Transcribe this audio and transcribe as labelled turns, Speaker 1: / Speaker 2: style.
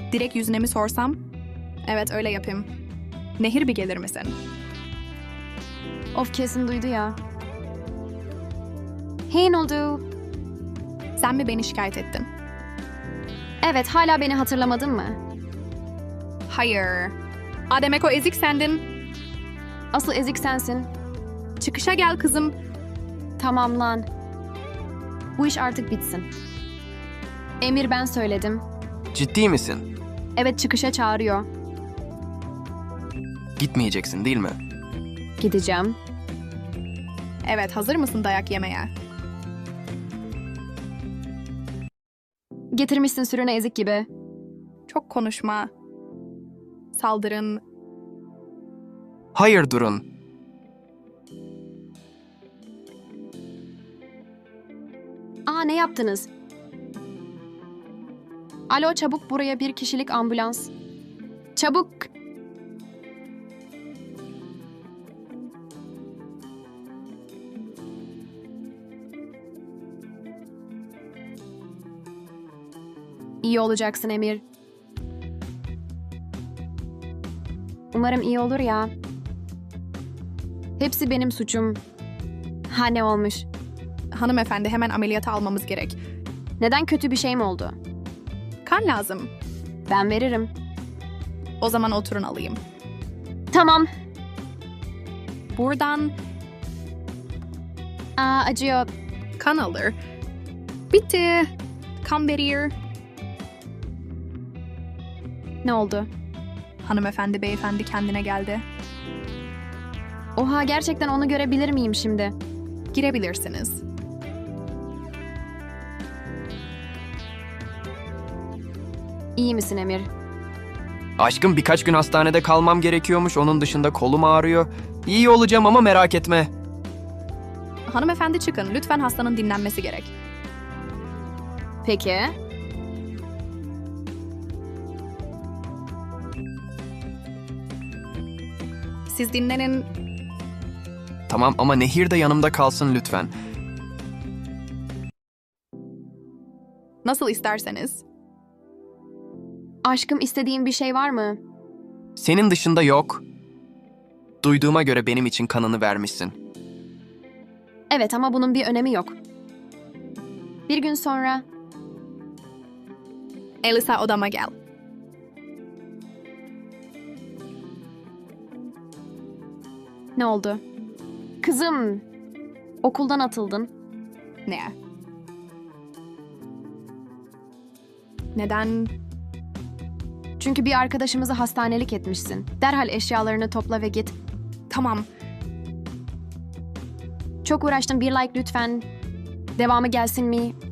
Speaker 1: Direkt yüzüne mi sorsam? Evet, öyle yapayım. Nehir, bir gelir misin?
Speaker 2: Of, kesin duydu ya. Hey, ne oldu?
Speaker 1: Sen mi beni şikayet ettin?
Speaker 2: Evet, hala beni hatırlamadın mı?
Speaker 1: Hayır. Demek o ezik sendin.
Speaker 2: Asıl ezik sensin.
Speaker 1: Çıkışa gel kızım.
Speaker 2: Tamam lan. Bu iş artık bitsin. Emir, ben söyledim.
Speaker 3: Ciddi misin?
Speaker 2: Evet, çıkışa çağırıyor.
Speaker 3: Gitmeyeceksin değil mi?
Speaker 2: Gideceğim.
Speaker 1: Evet, hazır mısın dayak yemeye?
Speaker 2: Getirmişsin sürüne ezik gibi.
Speaker 1: Çok konuşma. Saldırın.
Speaker 3: Hayır, durun.
Speaker 2: Ne yaptınız? Alo, çabuk buraya, bir kişilik ambulans. Çabuk. İyi olacaksın Emir. Umarım iyi olur ya. Hepsi benim suçum. Ne olmuş?
Speaker 1: Hanımefendi, hemen ameliyata almamız gerek.
Speaker 2: Neden, kötü bir şey mi oldu?
Speaker 1: Kan lazım.
Speaker 2: Ben veririm.
Speaker 1: O zaman oturun, alayım.
Speaker 2: Tamam.
Speaker 1: Buradan
Speaker 2: Acıyor.
Speaker 1: kan alır. Bitti. Kan verir.
Speaker 2: Ne oldu?
Speaker 1: Hanımefendi, beyefendi kendine geldi.
Speaker 2: Oha, gerçekten onu görebilir miyim şimdi?
Speaker 1: Girebilirsiniz.
Speaker 2: İyi misin Emir?
Speaker 3: Aşkım, birkaç gün hastanede kalmam gerekiyormuş. Onun dışında kolum ağrıyor. İyi olacağım ama merak etme.
Speaker 1: Hanımefendi, çıkın. Lütfen, hastanın dinlenmesi gerek.
Speaker 2: Peki.
Speaker 1: Siz dinlenin.
Speaker 3: Tamam ama Nehir de yanımda kalsın lütfen.
Speaker 1: Nasıl isterseniz.
Speaker 2: Aşkım, istediğin bir şey var mı?
Speaker 3: Senin dışında yok. Duyduğuma göre benim için kanını vermişsin.
Speaker 2: Evet, ama bunun bir önemi yok. Bir gün sonra...
Speaker 1: Elisa, odama gel.
Speaker 2: Ne oldu? Kızım, okuldan atıldın.
Speaker 1: Ne? Neden?
Speaker 2: Çünkü bir arkadaşımızı hastanelik etmişsin. Derhal eşyalarını topla ve git.
Speaker 1: Tamam.
Speaker 2: Çok uğraştım, bir like lütfen. Devamı gelsin mi?